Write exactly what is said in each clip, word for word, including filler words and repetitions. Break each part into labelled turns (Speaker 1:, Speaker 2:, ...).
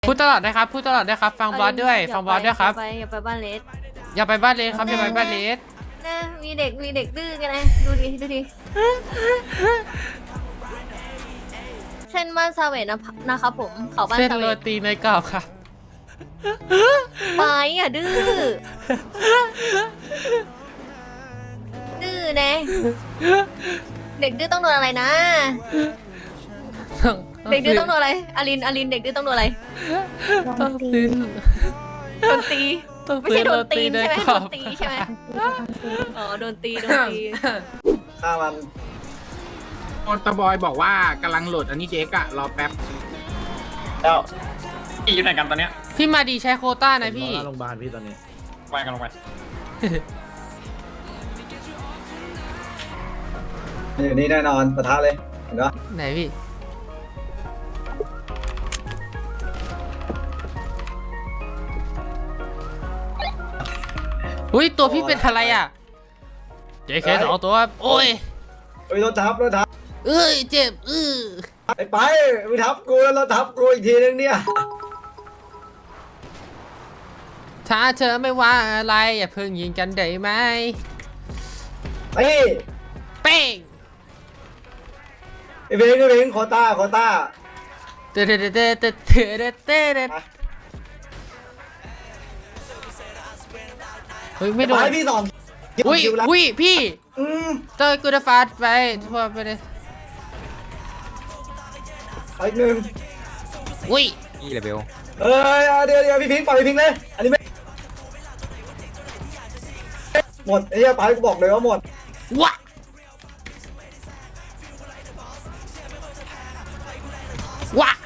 Speaker 1: พูดตลอดนะครับพูดตลอดด้วยครับฟังบอสด้วยฟังบอสด้วยครับ
Speaker 2: อย่าไปอย่าไปบ้านเลส
Speaker 1: อย่าไปบ้านเลสครับอย่าไปบ้านเลส
Speaker 2: นะมีเด็กมีเด็กดื้อกันนะดูดิดูดิเส้นบ้านซาเวตนะนะครับผมเขาบ้าน
Speaker 1: เส้น
Speaker 2: ซาเว
Speaker 1: โร
Speaker 2: ต
Speaker 1: ตีในกรอบครับ
Speaker 2: ไปอ่ะดื้อดื้อนะเด็กดื้อต้องโดนอะไรนะเด็กดื้อต้องโดนอะไรอลินอลินเด็กดื้อต้องโดนอะไร
Speaker 1: ต้องซื้อ
Speaker 2: โดนตี
Speaker 1: ต้อง
Speaker 2: ไม่
Speaker 1: ซื้อ
Speaker 2: ใช่โด
Speaker 1: โร
Speaker 2: นตี
Speaker 1: ตี
Speaker 2: น
Speaker 1: ใน
Speaker 2: ใช่ไหม
Speaker 1: กร
Speaker 2: โด
Speaker 1: อน บ
Speaker 2: ตีใช่ไหมอ๋อโดนตีโดนตี
Speaker 3: ฆ่ามัน
Speaker 4: โอนตะบอยบอกว่ากำลังโหลดอันนี้เจ๊กอะรอแป๊บ
Speaker 3: แล้ว
Speaker 5: พี่อยู่ไหนกันตอนเนี้ย
Speaker 1: พี่มาดีใช้โควต้านะพี่
Speaker 3: โรงพยาบาลพี่ตอนนี้
Speaker 5: ไปกันลงไป
Speaker 3: อยู่นี่แน่นอนปะทะเลยเห็นปะ
Speaker 1: ไหนพี่อุ้ยตัวพี่เป็นอะไรอ่ะเจ๊แค่สองตัวโอ้ย
Speaker 3: เฮ้ยรถทับรถทับ
Speaker 1: เอ้ยเจ็บอื้อ
Speaker 3: ไปไปไปทับกูแล้วรถทับกูอีกทีนึงเนี่ย
Speaker 1: ถ้าเธอไม่ว่าอะไรอย่าเพิ่งยิงกันได้ไหม
Speaker 3: เฮ้ย
Speaker 1: เป้ง
Speaker 3: ไอ้เบงไอ้เบงโคต้าโคต้า
Speaker 1: เตะเตะเตะเตะเตะเตะเตะเตะเฮ้ยไม่โด
Speaker 3: ไป
Speaker 1: น
Speaker 3: พี่สอง
Speaker 1: อุ้ย
Speaker 3: คิวแล้ว
Speaker 1: อุ้ยพี่
Speaker 3: อืม
Speaker 1: เตอร์กูจะฟาดไปทั่วไปเลย
Speaker 3: ไปอีกหนึ่ง
Speaker 1: อุ้ย
Speaker 5: นี่แหละเบล
Speaker 3: เอ้ยเอาเดี๋ยวเดี๋ยวพี่พิงค์ปล่อยพี่พิงค์เลยอันนี้ไม่หมดไอ้เหี้ยไปกูบอกเลยว่าหมด
Speaker 1: วะวะ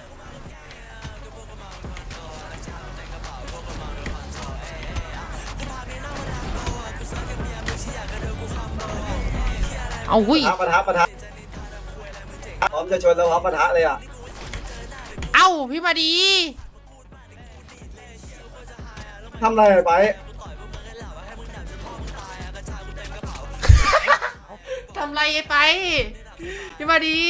Speaker 1: เอาหุ้ย
Speaker 3: ปะทะปะทะพร้อมจะชนแล้วพร้อมปะทะเลยอ่ะ
Speaker 1: เอ้าพี่มาดี
Speaker 3: ทำอะไรไป
Speaker 1: ทำไรไปพี่มาดี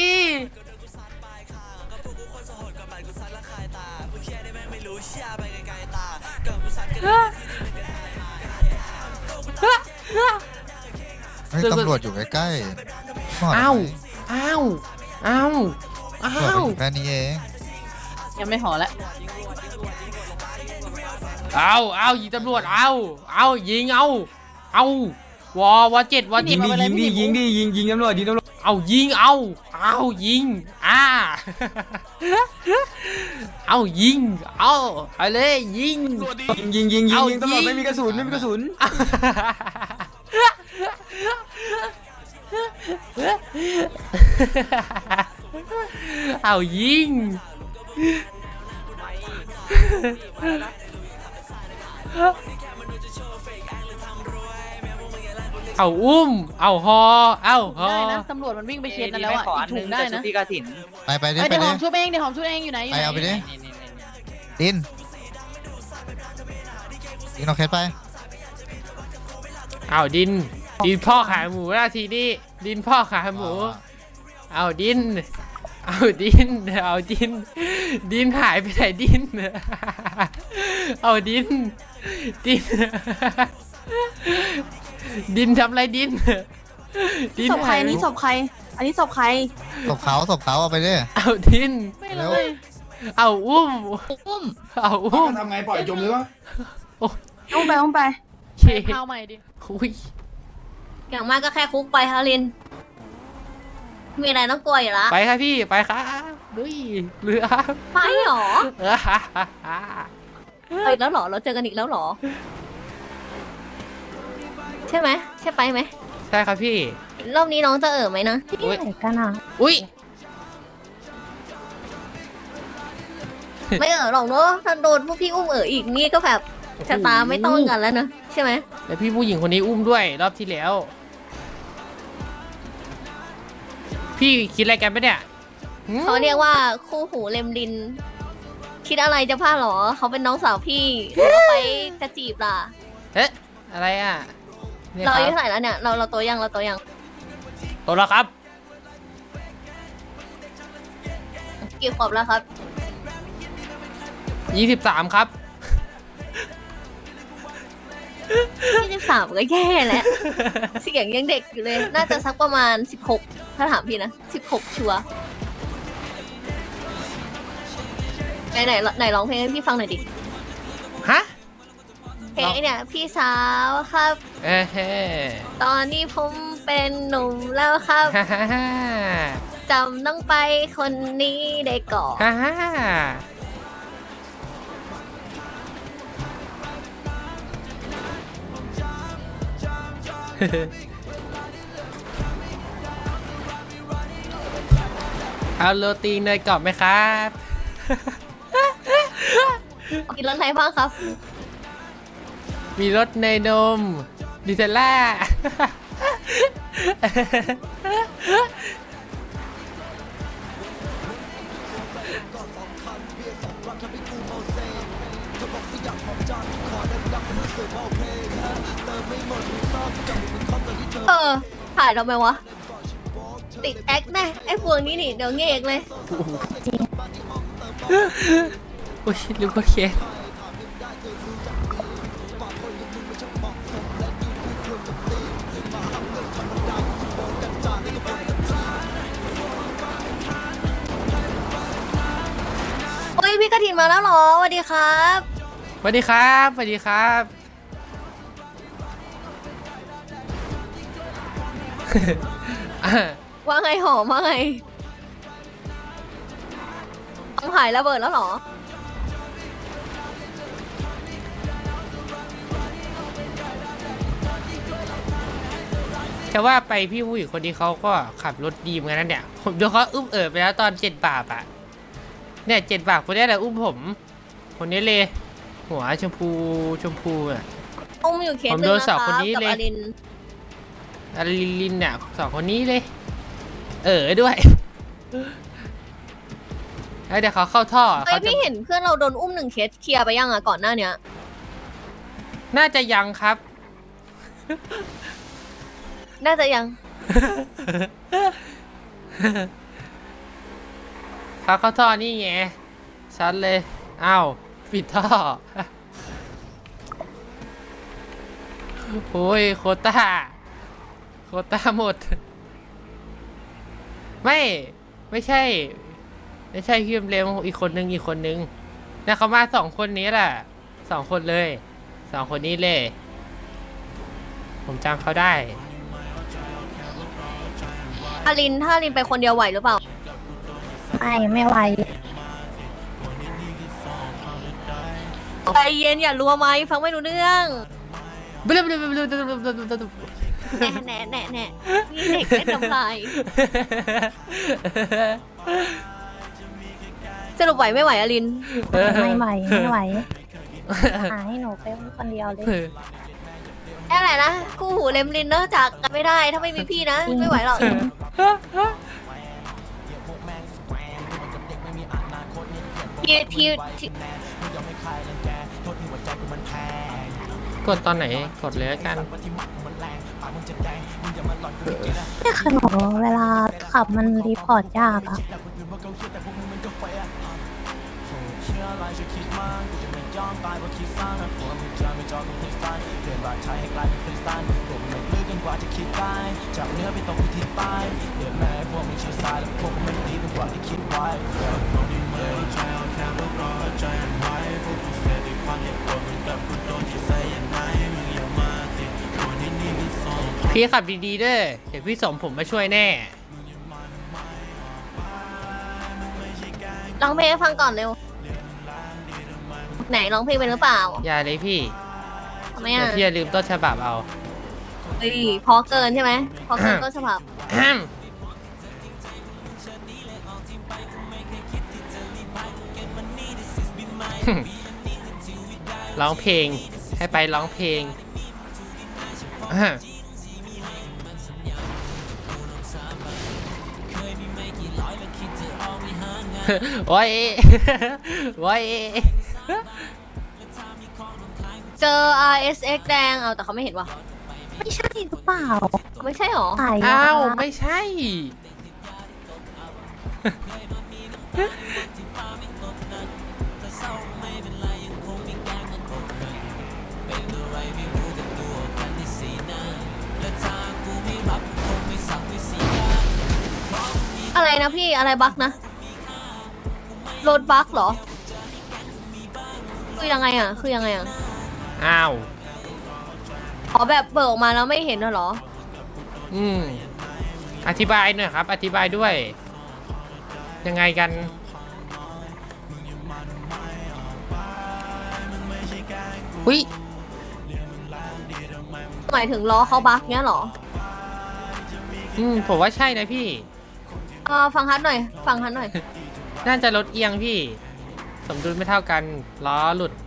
Speaker 6: เฮ้ยตำรวจอยู่ใกล้ๆก่น
Speaker 1: เอ้าเอ้าเอ้าเอ้
Speaker 6: ตำรวจ
Speaker 1: า
Speaker 6: มันอยู่แค่นี้เอง
Speaker 2: ยังไม่หอแล้ว
Speaker 1: เอาเอายิงตำรวจเอาเอายิงเอาเอาวอวอเจ็ดวอ
Speaker 5: ยิ
Speaker 1: เจ็
Speaker 5: ง
Speaker 1: ด
Speaker 5: ดิยิงดิยิงดิยิงยิงตำรวจยิงตำรวจ
Speaker 1: เอายิงเอาเอายิงอ่าเอายิงเอาเอาเลยยิง
Speaker 5: ยิงยิงยิงยิง
Speaker 1: เอา
Speaker 5: ยิงตำรวจ
Speaker 1: ยิง
Speaker 5: ไม่มีกระสุนไม่มีกระสุน
Speaker 1: เอายิงเอาอุ้มเอาฮอเอาฮอ
Speaker 7: ได้นะตำรวจมันวิ่งไปเช็ดนั่นแล้วอ่ะอีกถุงได้นะ
Speaker 5: พี่กาถิน
Speaker 6: ไปไปดิ
Speaker 7: เอ้ย
Speaker 6: ไป
Speaker 7: เดี๋ยวห
Speaker 6: ดิ
Speaker 7: อมช่วยเองเดี๋ยวหอมช่วยเองอยู่ไหนอยู่
Speaker 6: ไป
Speaker 7: ไหน
Speaker 6: เอาไปดิดินดินเอาแคทไป
Speaker 1: เอาดินดินพ่อขายหมูแล้วทีนี้ดินพ่อขายหมู เอาดิน เอาดิน เอาดิน ดินหายไปไหนดิน เอาดิน ดิน ดินทำอะไรดิน ดิน
Speaker 7: ศพใคร
Speaker 1: หาย
Speaker 7: อันนี้ศพใคร อันนี้ศพใคร
Speaker 6: ศพเขาศพเขาเอาไปดิ
Speaker 1: เอาดิน
Speaker 7: ไม่เลย
Speaker 1: เอาอุ้ม
Speaker 7: อุ้ม
Speaker 1: เอาอุ้ม
Speaker 4: ทำไงปล่อยจมหรือวะ
Speaker 7: อุ้มไปอุ้มไป
Speaker 1: เค
Speaker 7: ข้าวใหม่ดิ
Speaker 1: อุ้ย
Speaker 2: อย่างมากก็แค่คุกไปฮารินมีอะไรต้องกลัวอยู่ละ
Speaker 1: ไปครับพี่ ไปครับดุยเรือ
Speaker 2: ไปหรอ
Speaker 1: เออฮ่าฮ่าฮ่า
Speaker 2: ไปอีกแล้วหรอเราเจอกันอีกแล้วหรอ ใช่ไหมใช่ไปไหม
Speaker 1: ใช่ครับพี่
Speaker 2: รอบนี้น้องจะเอ่อไหมนะ
Speaker 1: อุ๊ย
Speaker 2: ไหนกันอ่ะ
Speaker 1: อุ้ย
Speaker 2: ไม่เอ่อหรอกเนอะถ้าโดนพวกพี่อุ้มเอ่ออีกนี่ก็แบบชะตาไม่ต้องกันแล้วนะใช่ไหม
Speaker 1: แล้วพี่ผู้หญิงคนนี้อุ้มด้วยรอบที่แล้ว พี่คิดอะไรกันปะเนี่ยหืม
Speaker 2: เขาเรียกว่าคู่หูเลมดิน คิดอะไรจะพลาดหรอเขาเป็นน้องสาวพี่หรือว่าไปจะจีบล่ะ
Speaker 1: เอ๊ะอะไรอ่ะเนี่ย
Speaker 2: เรา
Speaker 1: ค
Speaker 2: อายุ
Speaker 1: รับ
Speaker 2: เท่าไหร่แล้วเนี่ยเราเราโตยังเราโตยัง
Speaker 1: โตแล้วครับ
Speaker 2: กี่ขวบแล้วครับ
Speaker 1: ยี่สิบสามครับ
Speaker 2: ยี่สิบสามก็แย่แล้วเสียงยังเด็กอยู่เลย น่าจะสักประมาณสิบหกถ้าถามพี่นะสิบหกชัวร์ไหนไหนไหนร้องเพลงให้พี่ฟังหน่อยดิ
Speaker 1: ฮะ
Speaker 2: เพลงไอเนี่ยพี่สาวครับ
Speaker 1: เอ้เฮ้
Speaker 2: ตอนนี้ผมเป็นหนุ่มแล้วครับ
Speaker 1: ฮ่าฮ่าฮ่า
Speaker 2: จำต้องไปคนนี้ได้ก่อน
Speaker 1: ฮ่าฮ่าเอาโรตีเนยกรอบไหมครับ
Speaker 2: กินรสอะไรบ้างครับ
Speaker 1: มีรสเนยนมดิเทลล่า
Speaker 2: เออถ่ายทำไมวะ ติดแอคแน่ไอ้พวกนี้นี่เดี๋ยวเงกเลย
Speaker 1: อุ้ยลืมกดเคส
Speaker 2: โอ้ยพี่กระถินมาแล้วเหรอสวัสดีครับ
Speaker 1: สวัสดีครับสวัสดีครับ
Speaker 2: ว่าไงหอมว่าไงต้องหายระเบิดแล้วเหรอ
Speaker 1: แต่ว่าไปพี่ผู้หญิงคนนี้เขาก็ขับรถดีเหมือนกันนะเนี่ยผมดูเขาอุ้มเอ๋อไปแล้วตอนเจ็ดบาทอะเนี่ยเจ็ดบาทคนนี้แหละอุ้มผมคนนี้เลย หัวชมพูชมพูอะ
Speaker 2: อุ้มอยู่เคส
Speaker 1: ผม
Speaker 2: หนึ
Speaker 1: โด
Speaker 2: ง
Speaker 1: น
Speaker 2: นะ
Speaker 1: สอง
Speaker 2: ค
Speaker 1: คน
Speaker 2: รับ
Speaker 1: นี้
Speaker 2: กับ
Speaker 1: เลย
Speaker 2: อลิน
Speaker 1: อาริลินเนี่ยสองคนนี้เลย เออด้วย แล้วเดี๋ยวเขาเข้าท่อ
Speaker 2: เฮ้ย
Speaker 1: เขาจะ
Speaker 2: พี่เห็นเพื่อนเราโดนอุ้มหนึ่งเคสเคลียร์ไปยังอะก่อนหน้าเนี้ย
Speaker 1: น่าจะยังครับ
Speaker 2: น่าจะยัง
Speaker 1: เขาเข้าท่อนี่ไงชัดเลยอ้าวปิดท่อ โอ้ยโควต้าโควต้าหมด ไม่ไม่ใช่ ไม่ใช่พี่เร็วอีกคนนึงอีกคนนึงเนี่ยเขามาสองคนนี้แหละสองคนเลยสองคนนี้เลย ผมจำเขาได้
Speaker 2: อลินถ้าอลินไปคนเดียวไหวหรือเปล่า
Speaker 7: ไม่ไม่ไหว
Speaker 2: ใจเย็นอย่ารัวไหมฟังไม่รู้เรื่อง
Speaker 1: บลาบลาบลาบลาบลาบลา
Speaker 2: แหน่แหน่แหน่แหน่มีเด็กเล่นน้ำลายสรุปไหวไม่ไหวอลิน
Speaker 7: ไม่ไหวไม่ไหวหาให้หนูไปคนเดียวเลย
Speaker 2: แค่ไหนนะคู่หูเลมลินเนอะจากกันไม่ได้ถ้าไม่มีพี่นะไม่ไหวหรอก ทีทีที
Speaker 1: กดตอนไหนกดเลยละกัน
Speaker 7: นี่คือหนูเวลาขับมันรีพอร์ตยากอะ
Speaker 1: พี่ขับดีๆด้วยเดี๋ยวพี่สมผมมาช่วยแน่
Speaker 2: ร้องเพลงให้ฟังก่อนเร็ว ไหนร้องเพลงเป็นหรือเปล่า
Speaker 1: อย่าเลยพี่
Speaker 2: ทำไม
Speaker 1: เดี๋ย
Speaker 2: อ่ะ
Speaker 1: วพี่อย่าลืมต้นฉบับเอา
Speaker 2: เฮ้ยพอเกินใช่ไหมพอเกินก็ฉบับ
Speaker 1: ร้องเพลงให้ไปร้องเพลง โอ้ย โอ้ย
Speaker 2: เจอ อาร์ เอส เอ็กซ์ แดงเอาแต่เขาไม่เห็นว่ะ
Speaker 7: ไม่ใช่หรือเปล่า
Speaker 2: ไม่ใช่หรอ
Speaker 7: ถ่าย
Speaker 1: อ้าว ไม่ใช่
Speaker 2: เนะพี่อะไรบั๊กนะรถบั๊กเหรอคือยังไงอ่ะคือยังไงอ่ะ
Speaker 1: อ้าว
Speaker 2: อ๋อแบบเบิกออกมาแล้วไม่เห็นเหรอ
Speaker 1: อืมอธิบายหน่อยครับ อธิบายด้วย ยังไงกัน อุ้ย
Speaker 2: หมายถึงล้อเขาบั๊กเนี้ยเหรอ
Speaker 1: อืมผมว่าใช่นะพี่
Speaker 2: เออฟังฮัทหน่อย ฟังฮัทหน่อย
Speaker 1: น่าจะรถเอียงพี่ สมดุลไม่เท่ากัน ล้อหลุด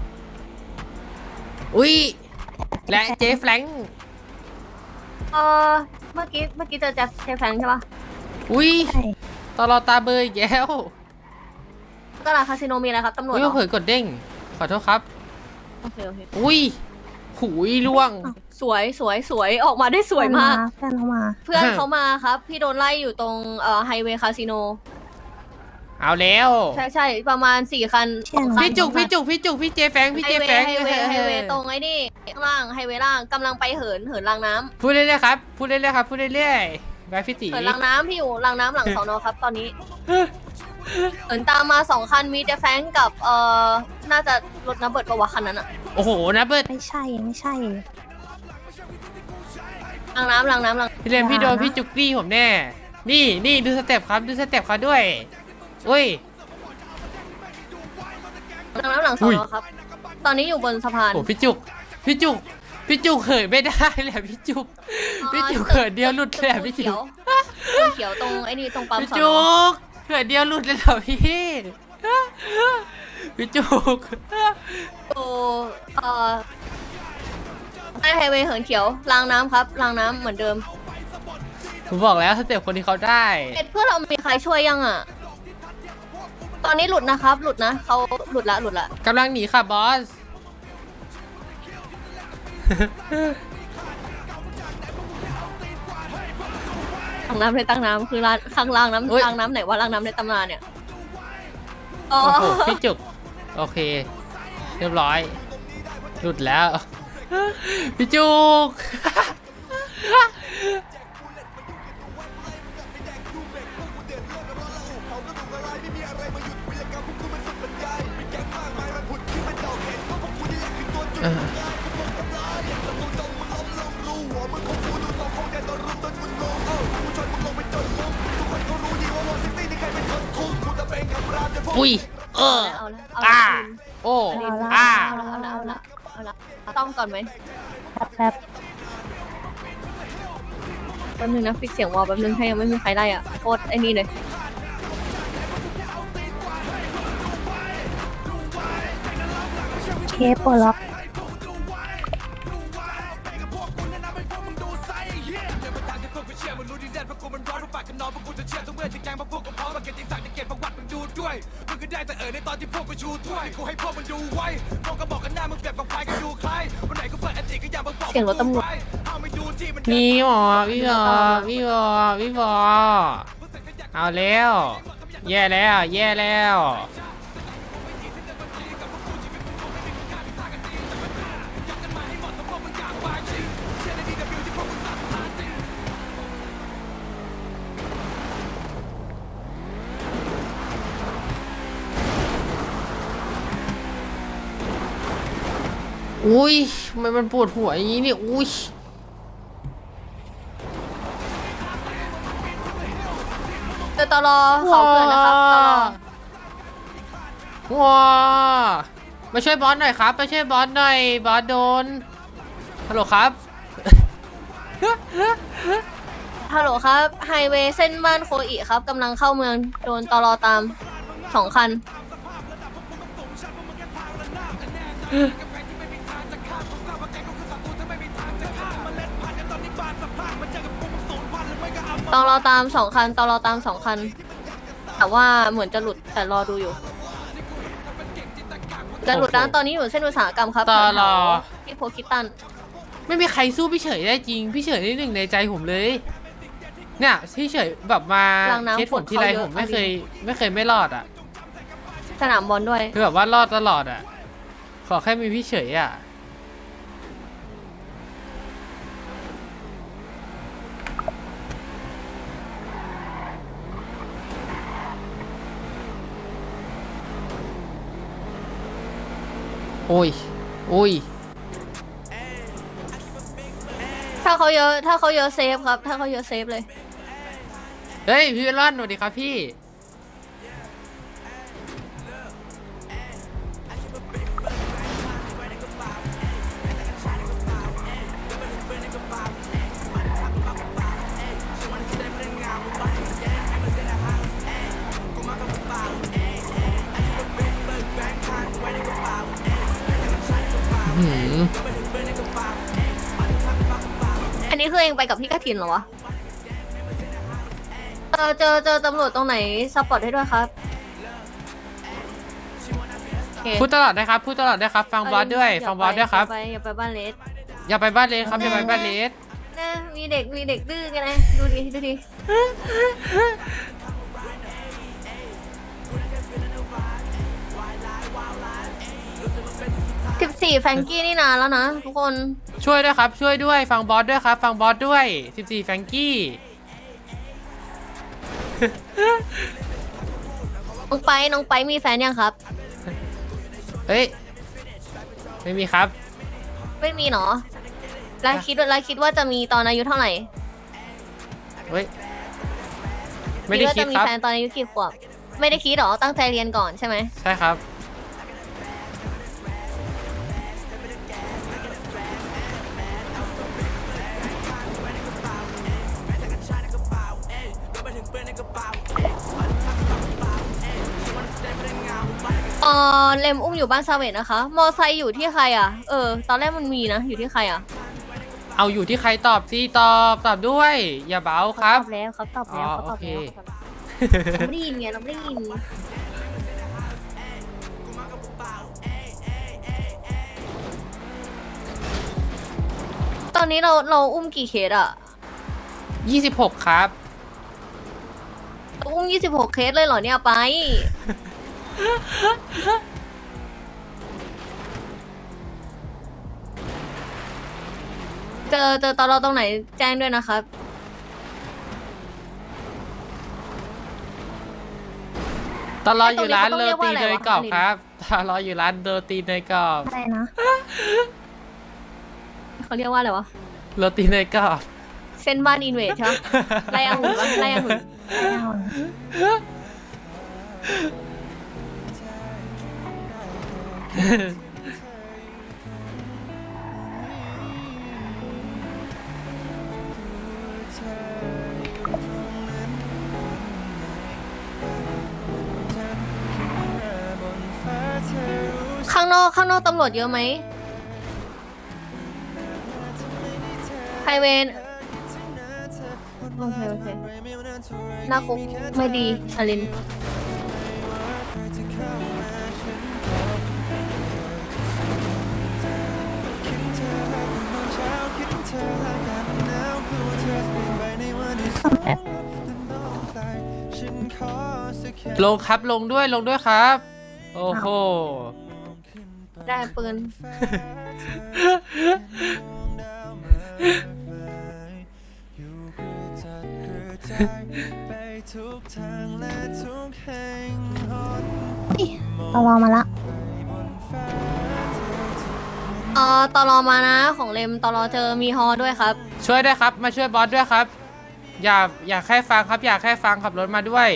Speaker 1: อุ้ย และเจฟแฟรงค์
Speaker 2: เออเมื่อกี้เมื่อกี้เจอแจ็คเชฟแฟรงค์ใช่ปะ
Speaker 1: อุ้ย
Speaker 7: ใช่
Speaker 1: ตลอดตาเบยอีกแล้ว
Speaker 2: ตลาดคาสิโนมีอะไรครับตำรวจ
Speaker 1: อุ้ย
Speaker 2: เหรอ
Speaker 1: เผยกดเด้ง ขอโทษครับ
Speaker 2: โอเคโอเค
Speaker 1: อุ้ย หุยล่วง
Speaker 2: สวยสวยสวยออกมาได้สวยมาก
Speaker 7: เพื่อนเขามา
Speaker 2: เพื่อนเขามาครับ พี่โดนไล่อยู่ตรงเอ่อไฮเวย์คาสิโน
Speaker 1: เอาแล้ว
Speaker 2: ใช่ใช่ประมาณสี่คัน
Speaker 7: เชี่ย
Speaker 2: สองคัน
Speaker 1: พี่จุก
Speaker 2: สองคัน
Speaker 1: พี่จุก พี่จุก พี่เจแฟรงค์พี่
Speaker 2: ไฮ
Speaker 1: เจ
Speaker 2: เว
Speaker 1: แฟรง
Speaker 2: ย์
Speaker 1: ค์
Speaker 2: ไฮเวย์ไฮเวย์ตรงไอ้นี่ข้างล่างไฮเวย์ล่างกำลังไปเหินเหินรางน้ำ
Speaker 1: พูดเรื่อยๆครับ พูดเรื่อยๆครับ พูดเรื่อยๆไปพี่ตี
Speaker 2: เหินรางน้ำพี่อยู่รางน้ำหลังสอนอครับตอนนี้เหินตามมาสองคันมีเจแฟรงค์กับเอ่อน่าจะรถน้ำเบิดประวะคันนั้นอะ
Speaker 1: โอ้โหนะเบิร์ด
Speaker 7: ไม่ใช่ไม่ใช่
Speaker 2: รางน้ำรางน้ำราง
Speaker 1: พี่เรนพี่โดนพี่จุกตี้ผมแน่ นี่นี่ดูสเต็ปครับ ดูสเต็ปเขาด้วยอุ้ย
Speaker 2: รางน้ำหลังสอนอครับ ตอนนี้อยู่บนสะพาน
Speaker 1: โอ้พี่จุก พี่จุก พี่จุกเขยไม่ได้แหละพี่จุก พี่จุกเขินเดียวหลุดเลยอะพี่จุ
Speaker 2: เขียว
Speaker 1: ก
Speaker 2: ตึกเขียวตรงไอ้นี่ตรงปั๊ม
Speaker 1: พี่
Speaker 2: สอน
Speaker 1: จุ
Speaker 2: อก
Speaker 1: เขินเดียวหลุดเลยเหรอพี่ พี่จุก
Speaker 2: อยู่เอ่อใต้ไฮเวย์เหินเขียวรางน้ำครับรางน้ำเหมือนเดิม
Speaker 1: ผมบอกแล้วสเต็ปคนที่เขาได้
Speaker 2: เอ็ดเพื่อนเรามีใครช่วยยังอ่ะ ตอนนี้หลุดนะครับ หลุดนะเขาหลุดละหลุดละ
Speaker 1: กำลังหนีค่ะบอส
Speaker 2: ตั้งน้ำในตั้งน้ำคือรางข้างล่าง
Speaker 1: เฮ้ย
Speaker 2: น้ำรางน้ำไหนว่ารางน้ำในตำนานเนี่ยอ๋อ
Speaker 1: โอ้โหพี่จุก โอเค เรียบร้อย หลุดแล้ว พี่จุก เอออุ้ย เออ
Speaker 2: เอาละเอาละ
Speaker 1: อ่า
Speaker 2: เอาละ
Speaker 1: โอ้
Speaker 2: เอาละ
Speaker 1: อ่า
Speaker 2: เอาละเอาละเอาละเอาละต้องก่อนไหม
Speaker 7: แป๊บแป๊บ
Speaker 2: แป๊บนึงนะฟิกเสียงวอลแป๊บนึงให้ยังไม่มีใครได้อ่ะโคตรไอ้นี่เลย
Speaker 7: เคปปลดล็อก
Speaker 2: เสียงรถตำรวจ
Speaker 1: มีหมอพี่บอพี่บอพี่บอเอาแล้ว แย่แล้ว แย่แล้ว อุ้ยทำไมมันปวดหัวอย่างนี้เนี่ยอุ้ย
Speaker 2: เจอตลอเขาเกิดนะครับตลอ
Speaker 1: ว้ามาช่วยบอสหน่อยครับมาช่วยบอสหน่อยบอสโดนฮัลโหลครับ
Speaker 2: ฮัลโหลครับไฮเวย์เส้นบ้านโคอิครับกำลังเข้าเมืองโดนตลอตามสองคัน ตลอตามสองคันตลอตามสองคัน แต่ว่าเหมือนจะหลุดแต่รอดูอยู่ จะหลุดนะตอนนี้อยู่เส้นอุตสาหกรรมครับ
Speaker 1: ตลอ
Speaker 2: แถวๆที่โพคิตัน
Speaker 1: ไม่มีใครสู้พี่เฉยได้จริง พี่เฉยนี่หนึ่งในใจผมเลย เนี่ยพี่เฉยแบบมา
Speaker 2: รังน้ำ
Speaker 1: เคสผลที่ไร
Speaker 2: ฝนเขาเยอะ
Speaker 1: ผมไม่เคย ไม่เคยไม่รอดอ่ะ
Speaker 2: สนามบอลด้วย
Speaker 1: คือแบบว่ารอดตลอดอ่ะ ขอแค่มีพี่เฉยอ่ะโอ้ยโอ้ย
Speaker 2: ถ้าเขาเยอะถ้าเขาเยอะเซฟครับ ถ้าเขาเยอะเซฟเลย
Speaker 1: เฮ้ยพี่เวลอนสวัสดีครับพี่หืม
Speaker 2: อันนี้คือเองไปกับพี่กฐินเหรอวะเจอเจอเจอตำรวจตรงไหนซัพพอร์ตให้ด้วยครับโอเค
Speaker 1: พูดตลอดนะครับพูดตลอดด้วยครับฟังบอสด้วยฟังบอสด้วยครับ
Speaker 2: อย่าไปอย่าไปบ้านเลส
Speaker 1: อย่าไปบ้านเลสครับอย่าไปบ้านเลส
Speaker 2: นะมีเด็กมีเด็กดื้อกันนะดูดิดูดิสิบสี่แฟรงกี้นี่นานแล้วนะทุกคน
Speaker 1: ช่วยด้วยครับช่วยด้วยฟังบอสด้วยครับฟังบอสด้วยสิบสี่แฟรงกี้
Speaker 2: น้องไปน้องไปมีแฟนยังครับ
Speaker 1: เฮ้ยไม่มีครับ
Speaker 2: ไม่มีเนาะแล้วคิดว่าแล้วคิดว่าจะมีตอนอายุเท่าไหร่
Speaker 1: เฮ้ยไม่ได้
Speaker 2: ว่า
Speaker 1: คิด
Speaker 2: จะมี
Speaker 1: ครับ
Speaker 2: แฟนตอนอายุกี่ขวบไม่ได้คิดหรอตั้งใจเรียนก่อนใช่ไหม
Speaker 1: ใช่ครับ
Speaker 2: เออเลมอุ้มอยู่บ้านซาเวตนะคะ มอไซค์อยู่ที่ใครอ่ะเออตอนแรกมันมีนะอยู่ที่ใครอ่ะ
Speaker 1: เอาอยู่ที่ใครตอบสิตอบตอบด้วย อย่าเบาครับ
Speaker 2: ตอบแล้วเขาตอบแล้ว
Speaker 1: อ๋อ
Speaker 2: เขาตอบแล้ว
Speaker 1: โอเค
Speaker 2: เราไม่ได้ยินไงเราไม่ได้ยินตอนนี้เราเราอุ้มกี่เคสอ่ะ
Speaker 1: ยี่สิบหกครับ
Speaker 2: เราอุ้มยี่สิบหกเคสเลยเหรอเนี่ยไป เจอเจอตอนเราตรงไหนแจ้งด้วยนะครับ
Speaker 1: ตอนรออยู่ร้าน
Speaker 2: ไอ้ตรง
Speaker 1: โร
Speaker 2: นี้เขาต้อง
Speaker 1: ตี
Speaker 2: เรียกว่าอะไร
Speaker 1: เนยว
Speaker 2: ะ
Speaker 1: กรอบ
Speaker 2: อลิน
Speaker 1: ครับตอนรออยู่ร้านโรตีเนยกรอบ
Speaker 7: อะไรนะ
Speaker 2: เขาเรียกว่าอะไรวะ
Speaker 1: โรตีเนยกรอบ
Speaker 2: เส้นบ้านอินเวสใช่ไหมไล่อาหุ่นปะไล่อาหุ่น
Speaker 7: ไม่เอานะ
Speaker 2: ข้างนอกข้างนอกตำรวจเยอะไหมไฮเวนโอเคโอเคหน้าคุกไม่ดีอลิน
Speaker 1: ลงครับลงด้วยลงด้วยครับ โอ้โห
Speaker 2: ได้ปืน
Speaker 7: ตลอมาละ
Speaker 2: เอ่อตอรอมานะของเลมตอรอเจอมีฮอด้วยครับ
Speaker 1: ช่วยด้วยครับ มาช่วยบอสด้วยครับ อย่าอย่าแค่ฟังครับ อย่าแค่ฟังขับรถมาด้วย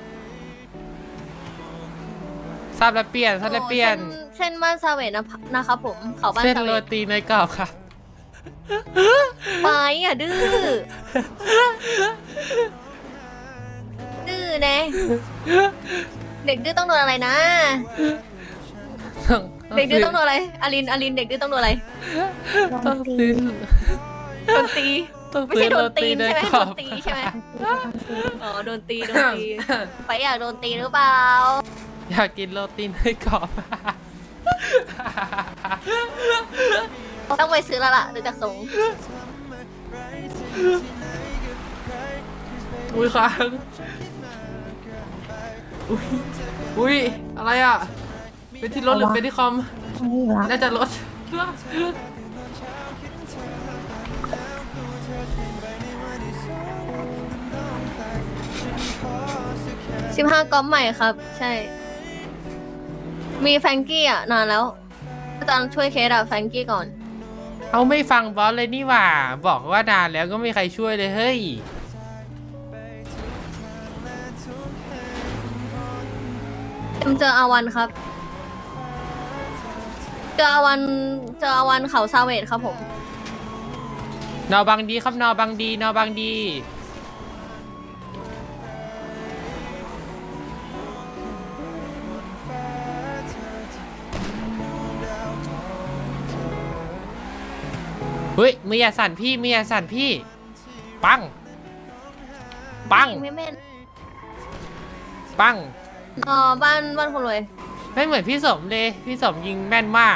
Speaker 1: ทราบแล้วเปลี่ยนทราบแล้วเปลี่ยน
Speaker 2: โอ้เส้นเส้นบ้านซาเวตนะนะครับผมเขาบ้าน
Speaker 1: เส้น
Speaker 2: ซาเว
Speaker 1: โร
Speaker 2: ต
Speaker 1: ตีเนยกรอบครับ
Speaker 2: ไปอ่ะดื้อดื้อนะเด็กดื้อต้องโดนอะไรนะ เด็กดื้อต้องโดนอะไรอลินอลินเด็กดื้อต้องโดนอะไร
Speaker 1: ต้องซื้อ
Speaker 2: โดนตี
Speaker 1: ต้อง
Speaker 2: ไม่
Speaker 1: ซื้
Speaker 2: ใช่
Speaker 1: อ
Speaker 2: โด
Speaker 1: โร
Speaker 2: นตี
Speaker 1: ตี
Speaker 2: น
Speaker 1: เนย
Speaker 2: ใช่ไหม
Speaker 1: กร
Speaker 2: โด
Speaker 1: อน บ
Speaker 2: ตีใช่ไหมอ๋อโดนตีโดนตีไปอยากโดนตีหรือเปล่า
Speaker 1: อยากกินโรตีเนยกรอบ
Speaker 2: ต้องไปซื้อแล้วล่ะดูจากทรง
Speaker 1: อุ้ยค้างอุ้ยอุ้ยอะไรอ่ะเป็นที่รถหรือเป็นที่คอม
Speaker 7: ตรงนี้อยู่ละ
Speaker 1: น่าจะรถ
Speaker 2: สิบห้าก๊อปใหม่ครับ ใช่ มีแฟรงกี้อ่ะ นานแล้วอาจารย์ช่วยเคสอะแฟรงกี้ก่อน
Speaker 1: เอาไม่ฟังบอสเลยนี่หว่า บอกว่านานแล้วก็ไม่มีใครช่วยเลยเฮ้ย
Speaker 2: เอ็มเจออาวันครับ เจออาวันเจออาวันเขาซาเวตครับผม
Speaker 1: นอบังดีครับนอบังดีนอบังดี เฮ้ยมืออย่าสั่นพี่มืออย่าสั่นพี่ ปัง ปัง
Speaker 2: ไม่แม่น
Speaker 1: ปัง
Speaker 2: อ๋อบ้านบ้านคนรวย
Speaker 1: ไม่เหมือนพี่สมเลย พี่สมยิงแม่นมาก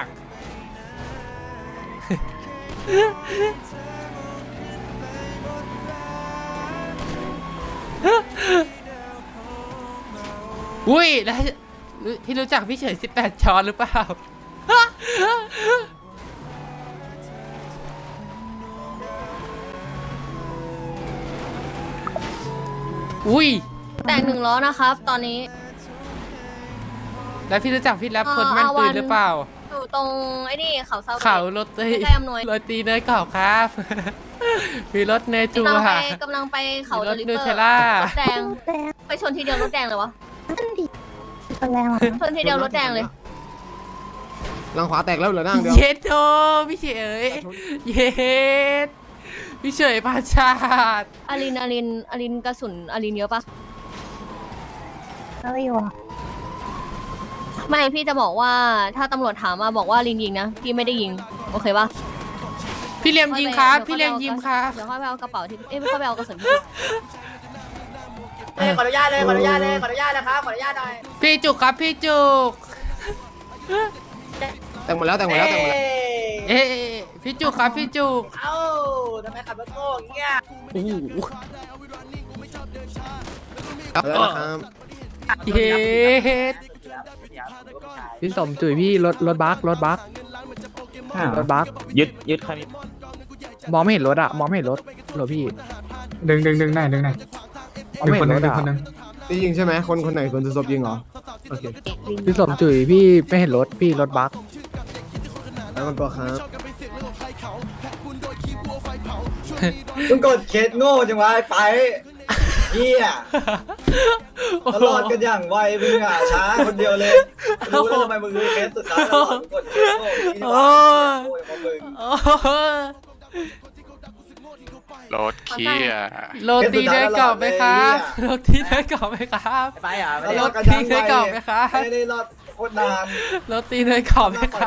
Speaker 1: อุ้ยแล้วพี่รู้จักพี่เฉยสิบแปดช้อนหรือเปล่า อุ้ย
Speaker 2: แต่งหนึ่งล้อนะครับ ตอนนี้
Speaker 1: แล้วพี่รู้จักพี่แรป
Speaker 2: เอ่อ
Speaker 1: คนแม่นปืน
Speaker 2: อาวัน
Speaker 1: หรือเปล่า
Speaker 2: อยู่ตรงไอ้นี่เขาซาเวต
Speaker 1: เขารถตี
Speaker 2: ใกล้อำนวย
Speaker 1: รถตีเนยกรอบครับ มีรถเนยจู
Speaker 2: กำลังไป
Speaker 1: ค่ะ
Speaker 2: กำลังไปเขา
Speaker 1: มีร
Speaker 2: เด
Speaker 1: ถ
Speaker 2: ลิ
Speaker 1: นู
Speaker 2: เวอ
Speaker 1: เท
Speaker 2: ร์
Speaker 1: ลล่าร
Speaker 2: ถแดง
Speaker 7: แดง
Speaker 2: ไปชนทีเดียวรถแดงเลยวะ
Speaker 7: นั่นดิตัวแรงอ่ะ
Speaker 2: ชนทีเดียวรถแดงเลย
Speaker 5: หลังขวาแตกแล้วเหลือนั่งเดียว
Speaker 1: เย็ดโตพี่เฉยเย็ดพี่เฉยพาชาติ
Speaker 2: อารินอารินอารินกระสุนอารินเยอะปะ
Speaker 7: แล้วอยู่อ่ะ
Speaker 2: ไม่พี่จะบอกว่าถ้าตำรวจถามมาบอกว่าลินยิงนะพี่ไม่ได้ยิงโอเคปะ
Speaker 1: พี่เลียมยิงครับพี่เลียมยิงครับ
Speaker 2: เดี๋ยวค่อยไปเอากระเป๋าที่เอ้ยไม่ค่อยไปเอากระสุนพี่
Speaker 3: ขออนุญาตเลยขออนุญาตเลยขออนุญาตนะครับขออนุญาตหน่อย
Speaker 1: พี่จุกครับพี่จุก
Speaker 5: แต่งหมดแล้วแต่งหมดแล้วแต่งหมดแล้ว
Speaker 1: เอ๊ะพี่จุกครับพี่จุก
Speaker 3: เอ้าทำไมขับรถโง่อย่างเงี้ย
Speaker 1: โอ้โห
Speaker 5: ครับแล้วนะครับ
Speaker 1: เย็ด
Speaker 8: พี่สมจุ๋ยพี่รถรถบัสรถบัสรถบัส
Speaker 9: ยึดยึดใครมี
Speaker 8: มองไม่เห็นรถอะมองไม่เห็นรถเหรอพี่
Speaker 4: ดึงดึงดึงไหนดึงไหน
Speaker 8: มองไม่เห็นรถอะ
Speaker 5: นี่ยิงใช่ไหมคนคนไหนคนจะซบยิงเหรอโอเค
Speaker 8: พี่สมจุ๋ยพี่ไม่เห็นรถพี่รถบัส
Speaker 5: แล้วมันตัวครับ
Speaker 3: มึงกดเคสโง่จังวะไอ้ไปเฮีย
Speaker 1: โอ้
Speaker 3: ต
Speaker 1: โห
Speaker 3: ลอดกันอย่างไวมึงอ่ะช้าคนเดียวเลยรู้แล้วทำไมมึงรู้เคสสุดท้ายตลอดมึงกดเคสโง่ที่นี่วะโง่อย่างมึง
Speaker 1: โอ้โห
Speaker 10: รถเคีย
Speaker 1: โรตีเนยกรอบไหมครับโรตีเนยกรอบไหมครับ
Speaker 3: ไปอ่ะ
Speaker 1: รถตีเนยกรอบไหมครับ
Speaker 3: ไม่ได้รอดโคตรนาน
Speaker 1: โรตีเนยกรอบไหมครับ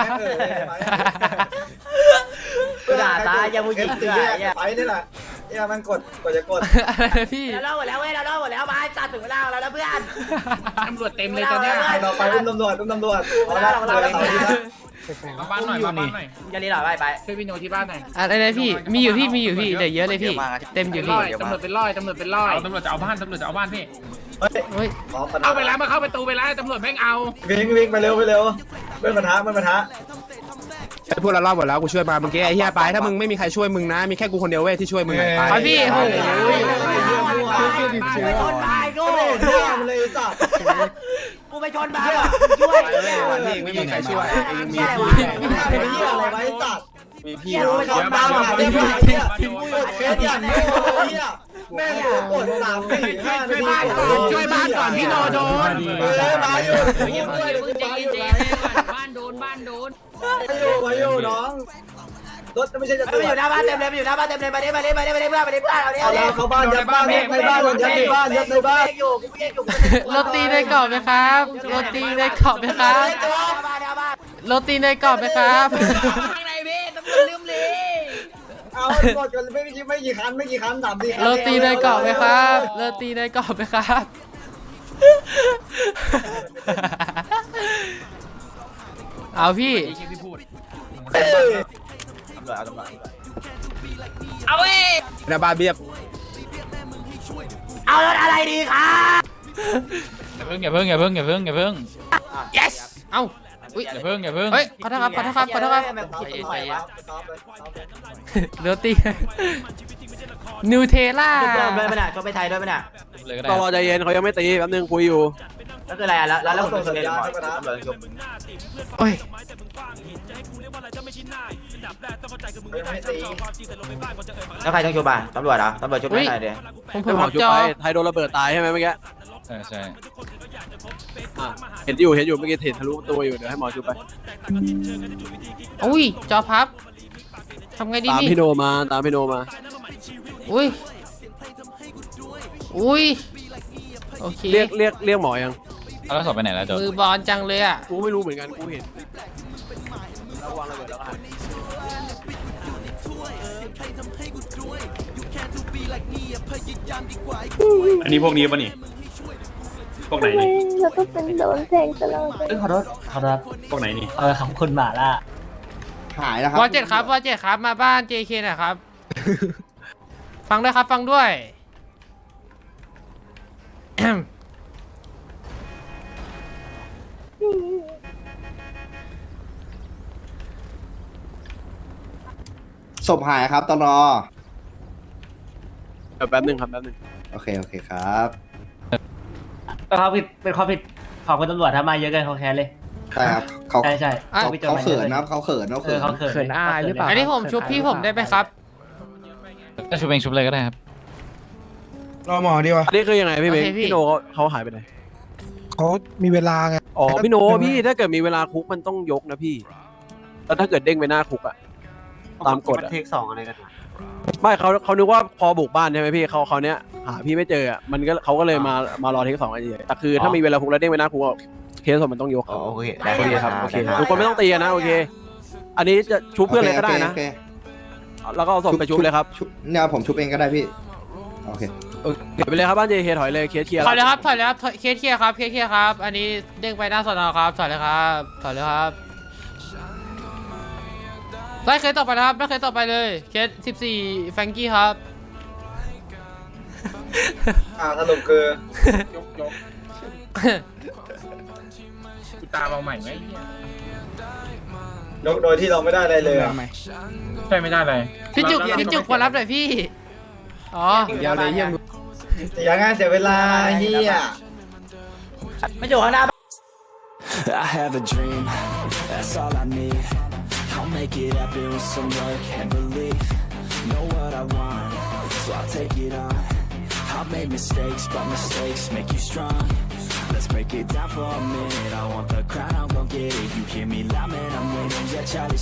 Speaker 3: กูด่าตายยังมึงยิงเสือไปนี่แหละเนี่ยมันกดกดจะกด
Speaker 1: อะไรนะพี่
Speaker 3: เราเล่าหมดแล้วเว้ยเราเล่าหมดแล้วมาตัดถึงเวลาเราแล้วเพื่อน
Speaker 4: ตำรวจเต็มเลยตอนเนี้ย
Speaker 3: เราไปอุ้มตำรวจอุ้มตำรวจเอาละเราเราเรา
Speaker 4: มาบ้านหน่อยมาบ้านหน่อย
Speaker 3: จะรีหน่อยไปไป
Speaker 4: ช่วยพี่โนที่บ้านหน่อย
Speaker 1: อะไรนะพี่ มีอยู่พี่มีอยู่พี่เดี๋ยวเยอะเลยพี่ เต็มอยู่
Speaker 4: เป็น
Speaker 1: พี่
Speaker 4: ร้อยตำรวจเป็นร้อยตำรวจเป็นร้อย
Speaker 9: เอาตำรวจจะเอาบ้านตำรวจจะเอาบ้านพี่
Speaker 3: เฮ้ย
Speaker 1: เฮ้ย
Speaker 3: ขอปัญหา
Speaker 4: เข้าไปแล้วมาเข้าประตูไปแล้วตำรวจแม่งเอา
Speaker 3: วิ่งวิ่งไปเร็วไปเร็วไม่ปัญหาไม่ปัญหา
Speaker 5: ไอ้พวกเรารอบหมดแล้วกูช่วยมาเมื่อกี้ไอ้เหี้ยไปถ้ามึงไม่มีใครช่วยมึงนะมีแค่กูคนเดียวเว้ยที่ช่วยมึงไงไป
Speaker 1: ครับพี่โอ้โห
Speaker 3: ไปชนบายกูเที่ยมเลยสัตว์กูไปชนบายช่วย
Speaker 5: วันนี้ไม่มีใครช่วยเองมี
Speaker 3: พี่
Speaker 5: พี่
Speaker 3: อะไรไว้สัตว์
Speaker 5: มีพี่
Speaker 3: เที่ยไปชนบายมาเรียบร้อยเนี่ยกดเคสอย่างนี้เนี่ยแม่งกดสามสี่ห้า
Speaker 4: ช่วยบ้านก่อนช่วยบ้านก่อนพี่โนโดน
Speaker 3: เออมาอยู่มาอยู่
Speaker 1: บ้านโดนบ้านโดน
Speaker 3: มาอยู่มาอยู่น้องรถไม่ใช่จะตรวจ
Speaker 11: อยู่หน้าบ้านเต็มเลยอยู่หน้าบ้านเต็มเลยมาดิมาดิมาดิมาดิเพื่อนมาดิเพื่อนเอาดิ
Speaker 3: เอาแล้วเข้าบ้านยัดบ้านยัดในบ้านยัดในบ้านยัดในบ้าน
Speaker 11: อยู่กูเรียกอยู่
Speaker 1: โรตีเนยกรอบไหมครับโรตีเนยกรอบไหมครับ
Speaker 11: บ้านบ้าน
Speaker 1: โรตีเนยกรอบไหมครับ
Speaker 11: ข้างในพี่ตำรวจลืมเลย
Speaker 3: เอาหมดกันไม่กี่ไม่กี่คันไม่กี่คันสามสี่คัน
Speaker 1: โรตีเนยกรอบไหมครับโรตีเนยกรอบไหมครับเอาพี่
Speaker 11: เอาเว้ย
Speaker 5: หน้าบ้านเบียบ
Speaker 11: เอารถอะไรดีครับ
Speaker 9: อย่าเพิ่งอย่าเพิ่งอย่าเพิ่งอย่าเพิ่งอย่าเพิ่ง
Speaker 1: yes เอ้าอุ้ย
Speaker 9: อย่าเพิ่งอย่าเพิ่ง
Speaker 1: เฮ้ยขอโทษครับขอโทษครับขอโทษครับโรตีนูเทลล่า
Speaker 11: ชนไปไหนชนไปไทยด้วยไหมเนี่ย
Speaker 9: เลยก็ได้
Speaker 5: ต้องรอใจเย็นเขายังไม่ตีแป๊บนึงคุยอยู่
Speaker 11: ก็คืออะไรอ่ะแล้วแล้วผม
Speaker 3: ส่ง
Speaker 11: ช
Speaker 3: สั
Speaker 11: น
Speaker 3: ญ
Speaker 11: เลย
Speaker 3: ญาณ
Speaker 11: หมอ
Speaker 3: ให้ประธาน
Speaker 1: โอ้ย
Speaker 3: ไม่ตี
Speaker 11: แล้วใครต้องชุบอ่ะตำรวจเหรอตำรวจชุบไม่ได้เดี๋ยว
Speaker 1: ผมผมรับจอ
Speaker 5: ไทยโดนระเบิดตายใช่ไหมเมื่อกี้
Speaker 9: ใช่ใช่
Speaker 5: เห็นอยู่เห็นอยู่เมื่อกี้เห็นทะลุตัวอยู่เดี๋ยวให้หมอช่วยไป
Speaker 1: อุ้ยจอพับทำไงดี
Speaker 5: ตาม
Speaker 1: นี่
Speaker 5: พี่โนมาตามพี่โนมา
Speaker 1: อุ้ยอุ้ยโอเค
Speaker 5: เรียกเรียกเรียกหมอยัง
Speaker 9: แล้วสอบไปไหนแล้วโจ
Speaker 1: มือบอลจังเลยอ่ะ
Speaker 5: กูไม่รู้เหมือนกันกูเห็นแล้ววางระเบิดแล้วก็หาย
Speaker 10: อันนี้พวกนี้ป่ะนี่ พวกไหนนี่
Speaker 7: แล้วก็เป็นโดนแทงตลอด
Speaker 11: เอ้ยขอโทษขอโทษ
Speaker 10: พวกไหนนี่
Speaker 11: เออขอบคุณหมาล่ะ
Speaker 3: หายแล้วครับ
Speaker 1: วอเจ็ดครับวอเจ็ดครับมาบ้าน เจ เค หน่อยครับ ฟังด้วยครับฟังด้วย
Speaker 3: ศพหายครับตลอ
Speaker 5: เดี๋ยวแป๊บนึงครับแป๊บนึง
Speaker 3: โอเคโอเคครับ
Speaker 11: เป็นความผิดเป็นความผิดของคุณตำรวจทำมาเยอะเกินเขาแค้นเลย
Speaker 3: ใช่ครับเขา
Speaker 11: ใช่ใช่
Speaker 1: อ่ะ
Speaker 3: เขาเขาเขินนะครับเขาเขินเขา
Speaker 11: เอ
Speaker 3: เขิ
Speaker 11: อน เขาเขิน
Speaker 8: เขินอายหรือเปล่า
Speaker 1: อันนี้ผมชุบพี่ผมได้ไหมครับ
Speaker 9: ถ้าชุบเองชุบเลยก็ได้ครับ
Speaker 6: รอหมอดีวะ
Speaker 5: อันนี้คือยังไงพี่เบง
Speaker 1: โอเคพี่
Speaker 5: พี่โนเขาเขาหายไปไหน
Speaker 6: เขามีเวลาไง
Speaker 5: อ๋อพี่โนพี่ถ้าเกิดมีเวลาคุกมันต้องยกนะพี่แล้วถ้าเกิดเด้งไปหน้าคุกอะตามกฎอะ
Speaker 11: เทคสองอะไรกัน
Speaker 5: ไม่เขาเขานึกว่าพอบุกบ้านใช่ไหมพี่เขาเขาเนี้ยหาพี่ไม่เจออะมันก็เขาก็เลยมามารอเทคสองกันเฉยแต่คือถ้ามีเวลาคุกแล้วเด้งไปหน้าคุกอะเคสมันต้องยก
Speaker 11: อ๋อโอเค
Speaker 5: โอเคครับโอเค
Speaker 11: ได้
Speaker 5: ทุกคนไม่ต้องตีกันนะโอเค อันนี้จะชุบเพื่อนเลยก็ได้นะ
Speaker 3: โอเค
Speaker 5: แล้วก็เอาศพไปชุบเลยครับ
Speaker 3: ชุบเนี่ยผมชุบเองก็ได้พี่โอเค
Speaker 5: เออเก็บไปเลยครับบ้านเจเคถอยเลยเคสเคลียร์
Speaker 1: ถอยเลยครับถอยเลยครับถอยเคสเคลียร์ครับเคสเคลียร์ครับ อันนี้เด้งไปหน้าสอนอครับถอยเลยครับถอยเลยครับไล่เคสต่อไปนะครับไล่เคสต่อไปเลยเคสสิบสี่แฟรงกี้ครับ
Speaker 3: อ่าสรุปคือย
Speaker 4: กยกกูตามเอาใหม่ไหม
Speaker 3: ยกโดยที่เราไม่ได้อะไรเลยอะ
Speaker 4: ใช่ไม่ได้เลย
Speaker 1: พี่จุกพี่จุกมารับหน่อยพี่อ๋อ
Speaker 5: ยาวเลยเยี่ยม
Speaker 3: เสียงานเสียเวลาเฮีย
Speaker 11: ไม่อยู่ข้างหน้า
Speaker 12: I have a dream, that's all I need. I'll make it happen with some work and belief. Know what I want, so I'll take it on. I've made mistakes, but mistakes make you strong. Let's break it down for a minute. I want the crown, I'm gon' get it. You hear me loud, man, I'm winning. Yeah, Charlie.